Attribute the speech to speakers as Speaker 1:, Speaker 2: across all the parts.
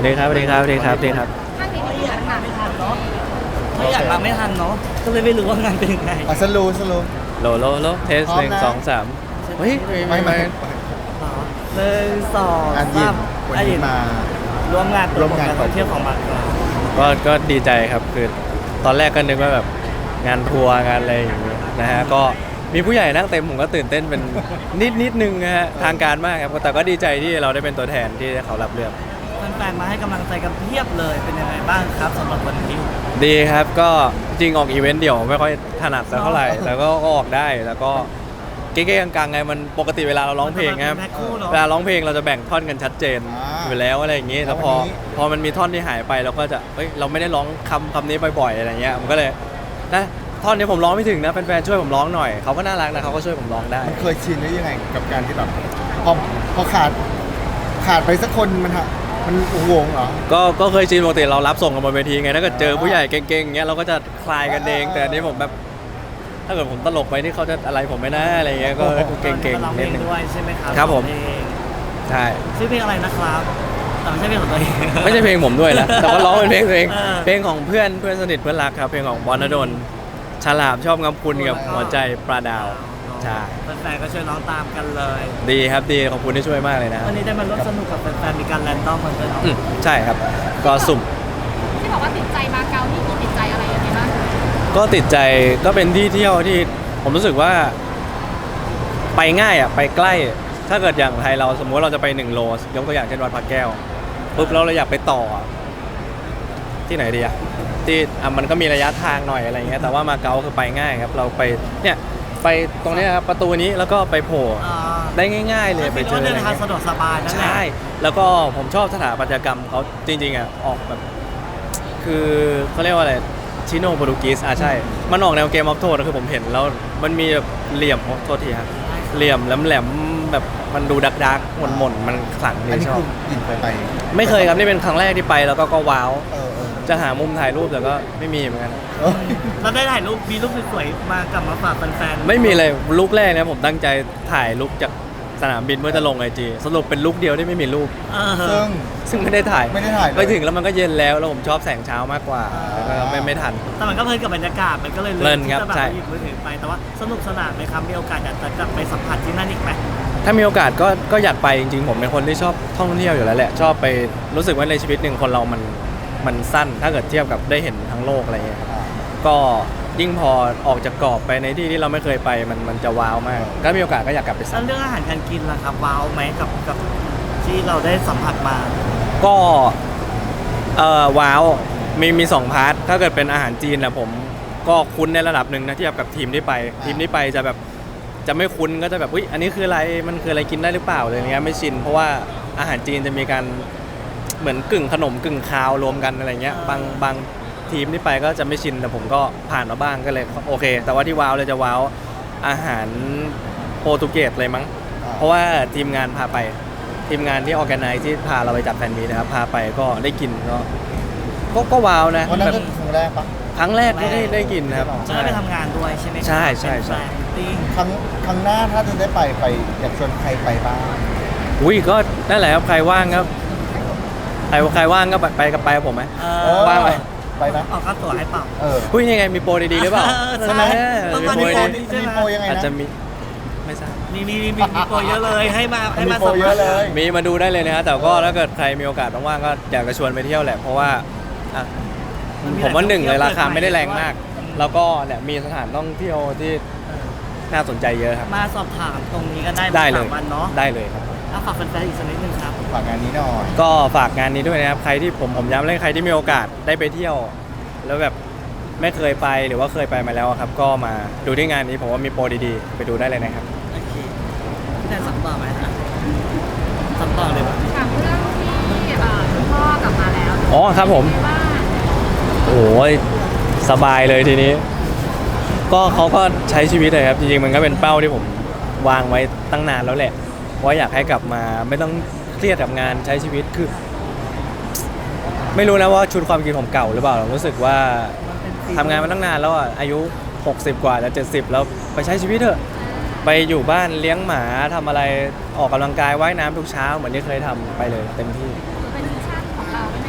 Speaker 1: ดีครับสวัสดีครับสวัสดีครับสวัสดีครับ
Speaker 2: ข้างนี้มีปัญหาไม่ทัน
Speaker 3: ไม่อยากมาไม่ทันเนาะก็เลยไม่รู้ว่างานเป็นยังไง
Speaker 4: สรุป
Speaker 1: โลเทส
Speaker 4: พร้อม
Speaker 1: หนึ่ง
Speaker 4: นะ
Speaker 1: สองสามเฮ้ยไม่
Speaker 3: หนึ่งสอง
Speaker 4: อันยิ
Speaker 3: สาน ม
Speaker 4: วันนี้มา
Speaker 3: ร่วมงาน
Speaker 4: ร่วมงาน
Speaker 3: การท่องเที่ยวของบางกอก
Speaker 1: ก็ดีใจครับคือตอนแรกก็นึกว่าแบบงานทัวร์งานอะไรอย่างเงี้ยนะฮะก็มีผู้ใหญ่นั่งเต็มผมก็ตื่นเต้นเป็นนิดนึงนะฮะทางการมากครับแต่ก็ดีใจที่เราได้เป็นตัวแทนที่เขารับเลือก
Speaker 3: แฟนๆมาให้กำลังใจกันเพียบเลยเป็นยังไงบ้างครับสำหรับวันนี้
Speaker 1: ดีครับก็จริงออกอีเวนต์เดี่ยวไม่ค่อยถนัดสักเท่าไหร่แต่ก็ออกได้แล้วก็เก๊ๆกลางๆไงมันปกติเวลาเราร้องเพลงครับ
Speaker 3: มันเป็นแพ็คคู่เนอะ
Speaker 1: เวลาร้องเพลงเราจะแบ่งท่อนกันชัดเจนอยู่แล้วอะไรอย่างงี้แต่พอมันมีท่อนที่หายไปเราก็จะเฮ้ยเราไม่ได้ร้องคำนี้บ่อยๆอะไรเงี้ยมันก็เลยนะท่อนนี้ผมร้องไม่ถึงนะแฟนๆช่วยผมร้องหน่อยเขาก็น่ารักนะเขาก็ช่วยผมร้องได้
Speaker 4: มันเคยชินหรือยังไงกับการที่แบบพอขาดไปสักคนมันวงเหรอ
Speaker 1: ก็เคยชินปกติเรารับส่งกันบนเวทีไงถ้าเกิดเจอผู้ใหญ่เก่งๆอย่างเงี้ยเราก็จะคลายกันเองแต่อันนี้ผมแบบถ้าเกิดผมตลกไปที่เขาจะอะไรผมไม่น่าอะไรเงี้ยก็เก่ง
Speaker 3: ร้อง
Speaker 1: ๆ
Speaker 3: เพล
Speaker 1: นิด
Speaker 3: ง
Speaker 1: นึง
Speaker 3: ด้วยใช่ไหมครับ
Speaker 1: ครับผม
Speaker 3: เพลง
Speaker 1: ใช่
Speaker 3: ชื่อเพลงอะไรนะครับแต่ไม่ใช่เพลงของตัวเอง
Speaker 1: ไม่ใช่เพลงผมด้วยนะแต่ว่าร้องเป็นเพลงตัวเอง
Speaker 3: เออ
Speaker 1: เพลงของเพื่อนสนิทเพื่อนรักครับเพลงของบอลณดลฉลาบชอบงำคุณกับหัวใจปลาดาวใช่
Speaker 3: แฟนๆก็ช่วยร้องตามกันเลย
Speaker 1: ดีครับดีขอบคุณที่ช่วยมากเลยนะ
Speaker 3: วันนี้ได้มาร่วมสนุกกับแฟนๆมีการแรนดอมกันด้วยเนาะ
Speaker 1: ใช่ครับก็สุ่ม
Speaker 2: ที่บอกว่าติดใจมาเก๊านี่คือติดใจอะไรยังไงบ้าง
Speaker 1: ก็ติดใจก็เป็นที่เที่ยวที่ผมรู้สึกว่าไปง่ายอ่ะไปใกล้ ถ้าเกิดอย่างไทยเราสมมติเราจะไป1 โลยกตัวอย่างเช่นวัดพระแก้วปุ๊บเราอยากไปต่อที่ไหนดีอ่ะที่มันก็มีระยะทางหน่อยอะไรเงี้ยแต่ว่ามาเก๊าคือไปง่ายครับเราไปเนี่ยไปตรงเนี้ยครับประตูนี้แล้วก็ไปโผล่ได้ง่ายๆเลยไปเจอ
Speaker 3: เดินทางสะดวกสบายนั่นแหละ
Speaker 1: ใช่แล้วก็ผมชอบสถาปัตยกรรมเขาจริงๆอ่ะออกแบบคือเขาเรียกว่าอะไรชิโนโปรตุกีสใช่มันออกแนวเกมออฟโทนคือผมเห็นแล้วมันมีแบบเหลี่ยมโทษทีครับเหลี่ยมแหลมๆแบบมันดูดักๆหม่นๆมันขลังดี
Speaker 4: อันนี้
Speaker 1: ชอ
Speaker 4: คื
Speaker 1: บ
Speaker 4: อยินไป
Speaker 1: ไม่เคยครับนี่เป็นครั้งแรกที่ไปแล้วก็ว้าว
Speaker 4: เออ
Speaker 1: จะหามุมถ่ายรูปแต่ก็ไม่มีเหมือนกัน
Speaker 3: เราได้ถ่ายรูปมีรูปสวยๆมากลับมาฝากแฟนๆ
Speaker 1: ไม่มีเลยลุกแรกนะผมตั้งใจถ่ายลุกจากสนามบินเพื่อจะลงIGสรุปเป็นลุกเดียวที่ไม่มีรูป ซึ่งไม่ได้ถ่าย
Speaker 4: ไม่ได้ถ่ายเลย
Speaker 1: ไปถึงแล้วมันก็เย็นแล้วผมชอบแสงเช้ามากกว่าแล้วก็ไม่ทัน
Speaker 3: แต่มันก็เพลินกับบรรยากาศมันก็เลย
Speaker 1: เพลินครับ
Speaker 3: ที่จะแบบ
Speaker 1: ใช่
Speaker 3: หยิบมือถือไปแต่ว่าสนุกสนานไหมครับมีโอกาสอยากจะกลับไปสัมผัสที่นั่นอีกไหม
Speaker 1: ถ้ามีโอกาสก็อยากไปจริงๆผมเป็นคนที่ชอบท่องเที่ยวอยู่แล้วแหละชอบไปรู้สึกว่าในชีวิตหนึ่งคนเรามันสั้นถ้าเกิดเทียบกับได้เห็นทั้งโลกอะไรเงี้ยครับก็ยิ่งพอออกจากกรอบไปในที่ที่เราไม่เคยไปมันจะว้าวมากถ้ามีโอกาสก็อยากกลับไป
Speaker 3: แล้ว
Speaker 1: ซ้ำ
Speaker 3: เรื่องอาหารการกินล่ะครับว้าวไหมกับที่เราได้สัมผัสมา
Speaker 1: ก็ว้าวมี2 พาร์ทถ้าเกิดเป็นอาหารจีนนะผมก็คุ้นในระดับหนึ่งนะเทียบกับทีมที่ไปจะแบบจะไม่คุ้นก็จะแบบอุ๊ยอันนี้คืออะไรมันคืออะไรกินได้หรือเปล่าเลยเงี้ยไม่ชินเพราะว่าอาหารจีนจะมีการเหมือนกึ่งขนมกึ่งคาวรวมกันอะไรเงี้ยบางทีมที่ไปก็จะไม่ชินแต่ผมก็ผ่านมาบ้างก็เลยโอเค แต่ว่าที่ว้าวเลยจะว้าวอาหารโปรตุเกสเลยมั้งเพราะว่าทีมงานพาไปทีมงานที่ออแกไนซ์ที่พาเราไปจัดแฟนมีตนะครับพาไปก็ได้กินก็ว้าวนะ
Speaker 4: วันนั้น
Speaker 1: แบ
Speaker 4: ก็
Speaker 1: บ
Speaker 4: ครั้งแรกปะ
Speaker 1: ครั้งแรกที่ได้กินนะครับ
Speaker 3: จะได้ไปทำงานด้วยใช่ไหมครับ
Speaker 1: ใช่
Speaker 3: เป็นแฟนมิตติ้ง
Speaker 4: ครั้งหน้าถ้าจะได้ไปอยากชวนใครไปบ้าง
Speaker 1: อุ้ยก็นั่นแหละครับใครว่างครับใครว่างก็ไปกับผมไหม ว่างไหม
Speaker 4: ไปนะ
Speaker 3: ออกค่าตั๋วให้เปล่า
Speaker 1: อุ้ยยังไงมีโปรดีๆหรือเปล่า
Speaker 3: ใช่ไหม
Speaker 1: มี
Speaker 3: ตอน
Speaker 1: โปร
Speaker 3: นี้
Speaker 1: ดี
Speaker 4: มีโปรยังไง
Speaker 1: อาจ
Speaker 4: นะ
Speaker 1: จะมีไม่ทราบ
Speaker 3: มีโปรเยอะเลยให้มา
Speaker 4: มีโปรเยอะเลย
Speaker 1: มีมาดูได้เลยนะฮะแต่ก็ถ้าเกิดใครมีโอกาสว่างๆก็อยากจะชวนไปเที่ยวแหละเพราะว่าอ่ะผมว่า1เลยราคาไม่ได้แรงมาก แล้วก็เนี่ยมีสถานท่องเที่ยวที่น่าสนใจเยอะครับ
Speaker 3: มาสอบถามตรงนี้ก็ได้
Speaker 1: ได้เลย
Speaker 3: 3 วันเนาะ
Speaker 1: ได้เลยครับ
Speaker 3: เอาฝากแฟนๆอีกสักนิดนึงครับ
Speaker 4: ฝากงานนี้หน่อย
Speaker 1: ก็ฝากงานนี้ด้วยนะครับใครที่ผมย้ำเลยใครที่มีโอกาสได้ไปเที่ยว แล้วแบบไม่เคยไปหรือว่าเคยไปมาแล้วครับก็มาดูที่งานนี้ผมว่ามีโปรดีๆไปดูได้เลยนะครับ
Speaker 3: โอเคพี่แทนสัมต่อไหมฮะสัมต่อเลยปะ
Speaker 2: ถามเรื่องที่คุณพ่อกลับมาแล้ว
Speaker 1: อ๋อครับผม
Speaker 2: ว่า
Speaker 1: โอ้ยสบายเลยทีนี้ ก็เขาก็ใช้ชีวิตเลยครับจริงๆมันก็เป็นเป้าที่ผมวางไว้ตั้งนานแล้วแหละว่าอยากให้กลับมาไม่ต้องเครียดกับงานใช้ชีวิตคือ ไม่รู้นะว่าชุดความคิดผมเก่าหรือเปล่ารู้สึกว่าทำงานมาตั้งนานแล้วอ่ะอายุ60 กว่าจะ70แล้วไปใช้ชีวิตเถอะไปอยู่บ้านเลี้ยงหมาทำอะไรออกกำลังกายว่ายน้ำทุกเช้าเหมือนที่เคยทำไปเลยเต็มที่
Speaker 2: เป็นมิชชั่นของเราใ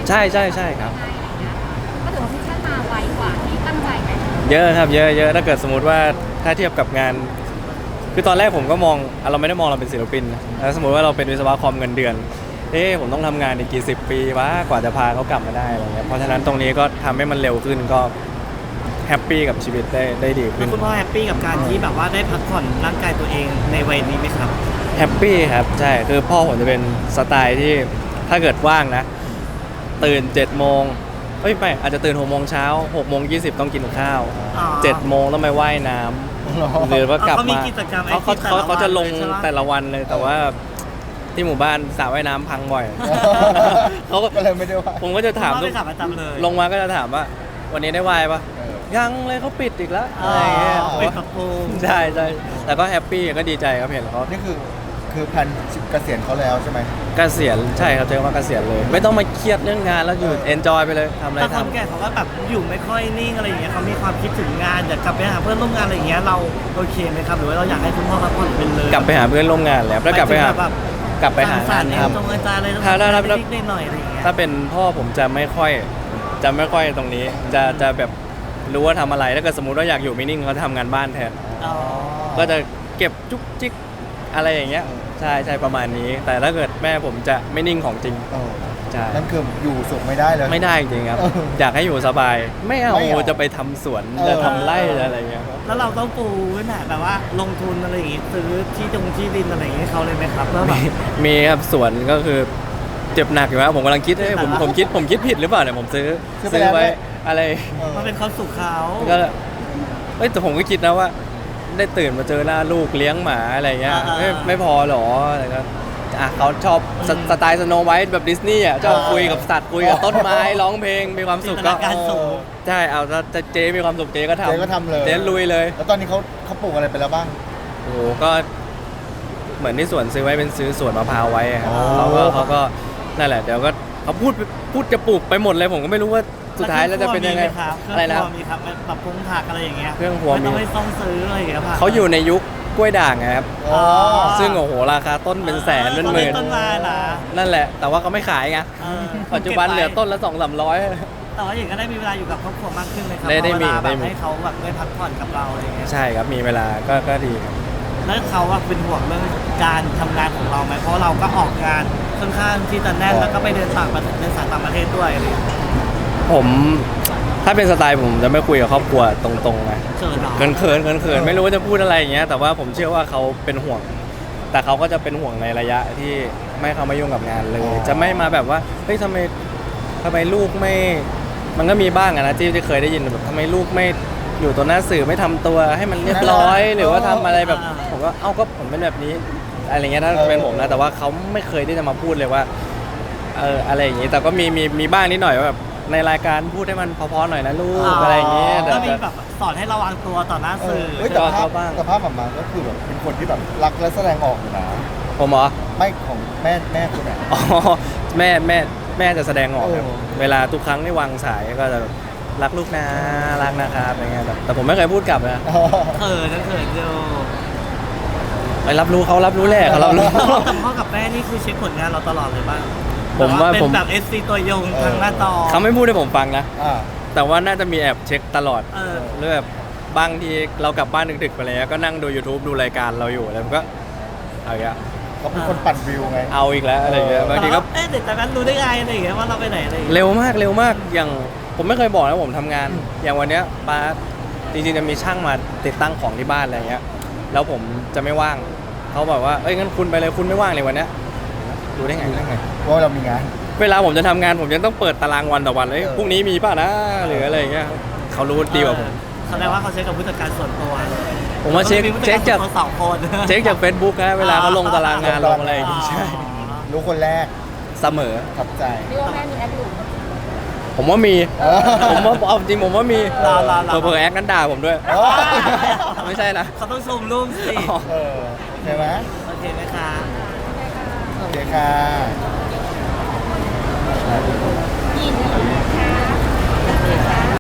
Speaker 1: ใช่ใช่ใช่ครับ
Speaker 2: ง่ายๆอะไรเงี้ยก็ถือว่าพิชชั่นมาไวกว่าที่ตั้งใจไหม
Speaker 1: เยอะครับเยอะเยอะถ้าเกิดสมมติว่าถ้าเทียบกับงาน คือตอนแรกผมก็มองเราไม่ได้มองเราเป็นศิลปินนะแล้วสมมติว่าเราเป็นวิศวะคอมเงินเดือน ผมต้องทำงานอีกกี่สิบปีวะกว่าจะพาเขากลับมาได้อะไรเงี้ยเพราะฉะนั้นตรงนี้ก็ทำให้มันเร็วขึ้นก็แฮปปี้กับชีวิตได้ดีขึ้
Speaker 3: แล้ว
Speaker 1: น
Speaker 3: คุณพ่อแฮปปี้กับการที่แบบว่าได้พักผ่อนร่างกายตัวเองในวัยนี้ไหมครับ
Speaker 1: แฮปปี้ครับใช่คือพ่อผมจะเป็นสไตล์ที่ถ้าเกิดว่างนะ ตื่น7 โมงไม่อาจจะตื่น6 โมงเช้า6 โมง 20ต้องกินข้าว
Speaker 3: อ๋อ
Speaker 1: 7 โมงต้องไปว่ายน้ำหรือว่ากลับ
Speaker 3: เขามี
Speaker 1: มา
Speaker 3: กิจกรรม
Speaker 1: เขา
Speaker 3: active แต่ละวัน
Speaker 1: เขาจะลง
Speaker 3: เลยใช่ปะ
Speaker 1: แต่ละวันเลยแต่ว่าที่หมู่บ้านสระว่ายน้ำพังบ่อย เขาก็
Speaker 4: ก็เลยไม่ได้ว่า
Speaker 1: ผมก็จะถาม
Speaker 3: คุณพ่อ
Speaker 1: ทุ
Speaker 3: ไป
Speaker 1: ก
Speaker 3: ขับประจำเลย
Speaker 1: ลงมาก็จะถามว่า วันนี้ได้ว่ายปะ
Speaker 4: เออ
Speaker 1: ยังเลยเขาปิดอีกแล้ว
Speaker 3: อ๋
Speaker 1: อะไรอย่างเงี้ย
Speaker 3: อเป็นกับปู
Speaker 1: ใช่ใช่แต่ก็แฮปปี้ก็ดีใจครับเห็นเขา
Speaker 4: นี่คือแผนเกษียณเขาแล้วใช่ไหม
Speaker 1: เกษียณใช่ครับเจอว่าเกษียณเลย ไม่ต้องมาเครียดเรื่องงานแล้วอยู่เอนจอยไปเลยทำอะไร
Speaker 3: แต่คน
Speaker 1: ทำ
Speaker 3: แก่เขาก็แบบอยู่ไม่ค่อยนิ่งอะไรอย่างเงี้ยเขามีความคิดถึงงานอยากกลับไปหาเพื่อนร่วมงานอะไรอย่างเงี้ยเราโอเคไหมครับหรือว่าเราอยากให้คุณพ่อพักผ่อนเป็นเลย
Speaker 1: กลับไปหาเพื่อนร่วมงานแล้วแล้วกลับไปหา
Speaker 3: แบบ
Speaker 1: กลับไปหา
Speaker 3: สาง
Speaker 1: าร น
Speaker 3: สรรค์
Speaker 1: ท
Speaker 3: ตรงอาจารย์อะไร
Speaker 1: ถ้า
Speaker 3: นิดๆหน่อยๆอะไรอย่างเงี้ย
Speaker 1: ำถ้าเป็นพ่อผมจะไม่ค่อยตรงนี้ จะแบบรู้ว่าทำอะไรถ้าเกิดสมมุติว่าอยากอยู่ไม่นิ่งเขาจะทำงานบ้านแทน
Speaker 3: อ๋อ
Speaker 1: ก็จะเก็บจุกจิกอะไรอย่างเงี้ยใช่ใช่ประมาณนี้ แต่ถ้าเกิดแม่ผมจะไม่นิ่งของจริง
Speaker 4: เออ
Speaker 1: ใช่
Speaker 4: นั่นคืออยู่สุขไม่ได้เลย
Speaker 1: ไม่ได้จริงๆครับ
Speaker 4: เออ
Speaker 1: อยากให้อยู่สบาย ไม่เอา
Speaker 4: ไม่เอา
Speaker 1: จะไปทำสวน
Speaker 4: เออ
Speaker 1: จะทำไร่จะอะไรเงี้ยครับ
Speaker 3: แล้วเราต้องปูไว้หน่แบบว่าลงทุนอะไรอย่างงี้ซื้อที่ดินอะไรอย่างงี้ให้เขาเลยไหมครับแล้วแบบ
Speaker 1: มีครับสวนก็คือเจ็บหนักอยู่นะผมกำลังคิดผมคิดผิดหรือเปล่าเนี่ยผมซื้อไว้อะไร
Speaker 4: เออ
Speaker 3: มันเป็นความสุขเขา
Speaker 1: ก็แต่ผมก็คิดนะว่า ได้ตื่นมาเจอหน้าลูกเลี้ยงหมาอะไรเงี้ยไม่พอหรออะไรก็เขาชอบสไตล์สโนไวท์แบบดิสนีย์อ่ะชอบคุยกับสัตว์คุยกับต้นไม้ร้องเพลงมีความสุขก็
Speaker 3: จินตนาการสูง
Speaker 1: ใช่เอาถ้าเจ๊มีความสุขเจ๊ก็ทำ
Speaker 4: เจ๊ก็ทำเลย
Speaker 1: เจ๊ลุยเลย
Speaker 4: แล้วตอนนี้เขาปลูกอะไรไปแล้วบ้าง
Speaker 1: โอ้โหก็เหมือนที่สวนซื้อไว้เป็นซื้อสวนมะพร้าวไว้อะครับ
Speaker 4: อ๋อ
Speaker 1: เขาก็นั่นแหละเดี๋ยวก็เขาพูดจะปลูกไปหมดเลยผมก็ไม่รู้ว่าสุดท้ายแล้วจะเป็นยังไง
Speaker 3: อะไร
Speaker 1: นะ
Speaker 3: นะมีครับแบบปรุงผักอะไรอย่างเงี้ย
Speaker 1: เครื่องครัวมี
Speaker 3: ไม่ต้องไปต้องซื้ออะไรอย่างเงี้ยผัก
Speaker 1: เขาอยู่ในยุคกล้วยด่างไงครับ
Speaker 4: อ๋อ
Speaker 1: ซึ่งโอ้โหราคาต้นเป็นแสนเป็นหมื่น
Speaker 3: ต้นไม้นะ
Speaker 1: นั่นแหละ แต่ว่าเขาไม่ขายไง
Speaker 3: เออ
Speaker 1: ปัจจุบันเหลือต้นละ200-300
Speaker 3: แต่ว่าอย่างก็ได้มีเวลาอยู่กับครอบครัวมากขึ้นเลยครับ
Speaker 1: ได้มี
Speaker 3: เวลาแบ
Speaker 1: ได้
Speaker 3: บ
Speaker 1: มี
Speaker 3: ให้เขาแบบได้พักผ่อนกับเราอะไรอย่างเงี้ย
Speaker 1: ใช่ครับมีเวลาก็ดีครับ
Speaker 3: แล้วเขาว่าเป็นห่วงเรื่องการทำงานของเราไหมเพราะเราก็ออกงานค่อนข้างที่จะแน่นแล้วก็ไปเดินสายต่างประเทศด้วยอะไรอย่างเงี้ย
Speaker 1: ผมถ้าเป็นสไตล์ผมจะไม่คุยกับครอบครัวตรงๆไง
Speaker 3: เชิญเนาะ
Speaker 1: เขินไม่รู้ว่าจะพูดอะไรอย่างเงี้ยแต่ว่าผมเชื่อว่าเขาเป็นห่วง แต่เขาก็จะเป็นห่วงในระยะที่ไม่เข้ามายุ่งกับงานเลย จะไม่มาแบบว่าเฮ้ยทำไมลูกไม่ มันก็มีบ้างอะนะที่เคยได้ยินแบบทำไมลูกไม่อยู่ตัวหน้าสื่อไม่ทำตัวให้มันเรียบร้อย หรือว่าทำอะไรแบบผมก็ก็ผมเป็นแบบนี้อะไรเงี้ยถ้าเป็นผมนะแต่ว่าเขาไม่เคยที่จะมาพูดเลยว่าอะไรอย่างงี้แต่ก็มีบ้างนิดหน่อยว่าแบบในรายการพูดให้มันเพอๆหน่อยนะลูกอะไรอย่างเงี้ยแต่
Speaker 3: ก็มีแบบสอนให้ระวังตัวต่อหน้าสื่อ
Speaker 4: เฮ้ยแต่ภา
Speaker 1: เขา
Speaker 4: พ
Speaker 1: บ้าง
Speaker 4: แต่ภาพออกมาก็คือแบบเป็นคนที่แบบรักและแสดงออกอยู่นะ
Speaker 1: ผมเหรอ
Speaker 4: ไม่ของแม่คุณอ่ะ
Speaker 1: อ๋อแม่จะแสดงออกครับ
Speaker 4: โอ้
Speaker 1: เวลาทุกครั้งที่วางสายก็จะรักลูกนะรักนะครับอะไรเงี้ยแบบแต่ผมไม่เคยพูดกลับนะ
Speaker 3: เขินอยู่
Speaker 1: ไปรับรู้เขารับรู้แหละเขารับรู้
Speaker 3: แต่พ่อกับแม่นี่คือเช็คผลงานเราตลอดเลยบ้าง
Speaker 1: ผมว่า
Speaker 3: เป็น
Speaker 1: ผม
Speaker 3: แบบ SC ตัวยงทางหน้าจอ
Speaker 1: เขาไม่พูดให้ผมฟังนะ
Speaker 4: อ่า
Speaker 1: แต่ว่าน่าจะมีแอบเช็คตลอด
Speaker 3: เออ
Speaker 1: เรื่องแบบบางทีเรากลับบ้านดึกๆไปแล้วก็นั่งดู YouTube ดูรายการเราอยู่แล้วมันก็เอาอีกแล้ว
Speaker 4: เขาเป็นคนปั่นวิวไง
Speaker 1: เอาอีกแล้วอะไรเงี้ยบางทีก็
Speaker 3: เอ๊ะเด็กจากนั้นรู้ได้ไงอะไรอย่างเงี้ยว่าเราไปไหนอะไรอย่างเงี้ย
Speaker 1: เร็วมากอย่างผมไม่เคยบอกนะผมทำงาน อย่างวันเนี้ยป้าจริงๆจะมีช่างมาติดตั้งของที่บ้านอะไรเงี้ยแล้วผมจะไม่ว่างเขาบอกว่าเอ้ยงั้นคุณไปเลยคุณไม่ว่างเลยวันเนี้ยดูได้ไง
Speaker 4: รู้ได้ไงว่าเรามีงาน
Speaker 1: เวลาผมจะทำงานผมยังต้องเปิดตารางวันต่อวันเลย
Speaker 4: เออ
Speaker 1: พรุ่งนี้มีป่ะนะหรืออะไรเงี้ยเขารู้ดีกว่าผม
Speaker 3: แสดงว่าเขาเช็คกับผู้จัดการส่วนตัว
Speaker 1: ผมว่าเช็ค
Speaker 3: ผู้
Speaker 1: เช็คจาก
Speaker 3: เขาสองคน
Speaker 1: เช็คจาก Facebook นะเวลาเขาลงตารางงานลงอะไรอย่างงี้ใช่
Speaker 4: รู้คนแรก
Speaker 1: เสมอ
Speaker 4: ทับใจ
Speaker 2: ที่ว่าแม่มีแอปหลุม
Speaker 1: ผมว่ามี
Speaker 4: เออ
Speaker 1: ผมว่าเอาจริงผมว่ามี
Speaker 3: รอ
Speaker 1: เผลอๆแอคนั้นด่าผมด้วย
Speaker 4: เออ
Speaker 1: ไม่ใช่นะ
Speaker 3: เขาต้องชมรูปสิ
Speaker 1: อ๋อ
Speaker 4: เออใช่ไหม
Speaker 3: โอเคไหมคะ
Speaker 4: โอเคค่ะ